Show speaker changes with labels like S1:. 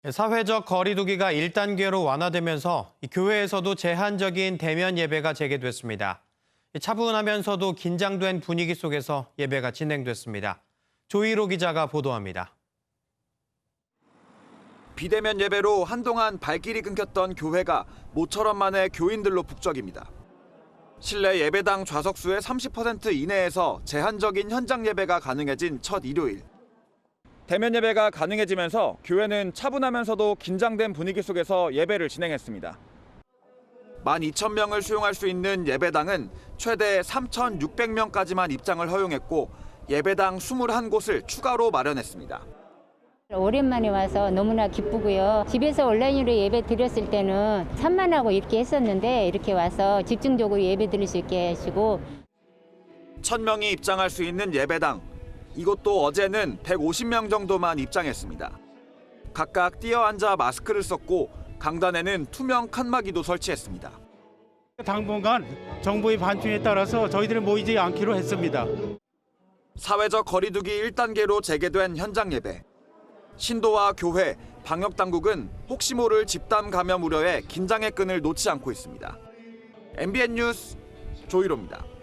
S1: 사회적 거리 두기가 1단계로 완화되면서 교회에서도 제한적인 대면 예배가 재개됐습니다. 차분하면서도 긴장된 분위기 속에서 예배가 진행됐습니다. 조희로 기자가 보도합니다.
S2: 비대면 예배로 한동안 발길이 끊겼던 교회가 모처럼 만에 교인들로 북적입니다. 실내 예배당 좌석수의 30% 이내에서 제한적인 현장 예배가 가능해진 첫 일요일. 대면 예배가 가능해지면서 교회는 차분하면서도 긴장된 분위기 속에서 예배를 진행했습니다. 12,000명을 수용할 수 있는 예배당은 최대 3,600명까지만 입장을 허용했고 예배당 21곳을 추가로 마련했습니다.
S3: 오랜만에 와서 너무나 기쁘고요. 집에서 온라인으로 예배 드렸을 때는 산만하고 이렇게 했었는데 이렇게 와서 집중적으로 예배 드릴 수 있게 하시고
S2: 1,000명이 입장할 수 있는 예배당. 이곳도 어제는 150명 정도만 입장했습니다. 각각 뛰어앉아 마스크를 썼고 강단에는 투명 칸막이도 설치했습니다.
S4: 당분간 정부의 반충에 따라서 저희들은 모이지 않기로 했습니다.
S2: 사회적 거리두기 1단계로 재개된 현장 예배. 신도와 교회, 방역당국은 혹시 모를 집단 감염 우려에 긴장의 끈을 놓지 않고 있습니다. MBN 뉴스 조희로입니다.